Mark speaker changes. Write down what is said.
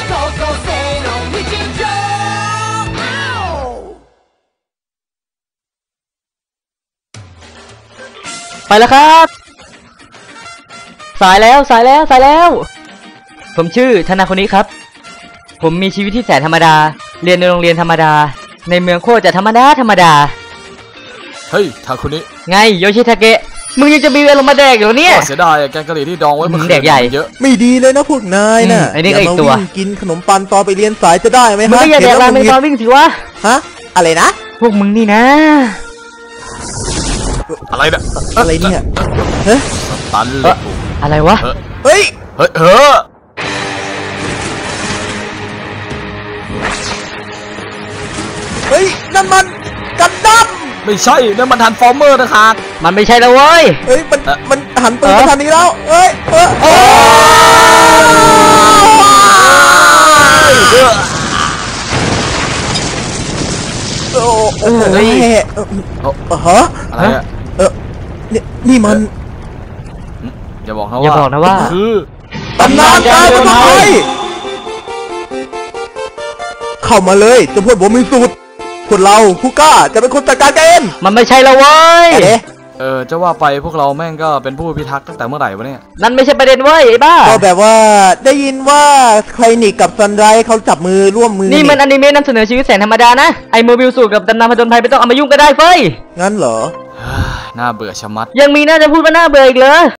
Speaker 1: 高校生の日常
Speaker 2: ไปแล้วครับสายแล้วผมชื่อธนาคนนี้ครับผมมีชีวิตที่แสนธรรมดาเรียนในโรงเรียนธรรมดาในเมืองโคตรจะธรรมดา
Speaker 3: เฮ้ยทาคุนิ
Speaker 2: ไงโยชิทาเกะมึงยังจะมีเวลามาแดกอยู่เนี่ย
Speaker 3: เสียดายแกงกะหรี่ที่ดองไว้เมื่อคืน
Speaker 2: แดกใหญ่
Speaker 3: เยอะ
Speaker 4: ไม่ดีเลยนะพวกนายน่ะ
Speaker 2: ไอ้นี่ก็อีกตัว
Speaker 4: กินขนมปังตอนไปเรียนสายจะได้ไหมฮะ
Speaker 2: มึงก็อย่าแดกราเมงตอนวิ่งสิวะ
Speaker 4: ฮะอะไรนะ
Speaker 2: พวกมึงนี่นะ
Speaker 3: อะไรเนี่ย
Speaker 4: อะไรเนี่ยเฮ้ย
Speaker 3: ตันเลย
Speaker 2: อะไรวะ
Speaker 4: เฮ้ยนั่นมันกันดั้ม
Speaker 3: ไม่ใช่นั่นมันทันฟอร์เมอร์นะครับ
Speaker 2: มันไม่ใช่แล้วเว้ย
Speaker 4: เฮ้ยมันหันปืนมาทางนี้แล้วเฮ้ยโอ้ฮะ
Speaker 3: อะไรอ่ะ
Speaker 4: นี่มัน
Speaker 3: อย่าบอกนะว่าคือ
Speaker 4: ตำนานการผจญภัยเข้ามาเลยจะพูดผมมีสูตรพวกเราผู้กล้าจะเป็นคนจัดการเอง
Speaker 2: มันไม่ใช่แล้วเว้ย
Speaker 3: จะว่าไปพวกเราแม่งก็เป็นผู้พิทักษ์ตั้งแต่เมื่อไหร่วะเนี่ย
Speaker 2: นั่นไม่ใช่ประเด็นเว้ยไอ้บ้า
Speaker 4: ก็แบบว่าได้ยินว่าใครนิกกับซันไรเขาจับมือร่วมมือ
Speaker 2: นี่มันอนิเมะนำเสนอชีวิตแสนธรรมดานะไอโมบิลสูตรกับตำนานผจญภัยไม่ต้องเอามายุ่งก็ได้เฟ้ย
Speaker 4: งั้นเหรอ
Speaker 3: น่าเบื่อชะมัด
Speaker 2: ยังมีน่าจะพูดว่าน่าเบื่ออีกเหรอ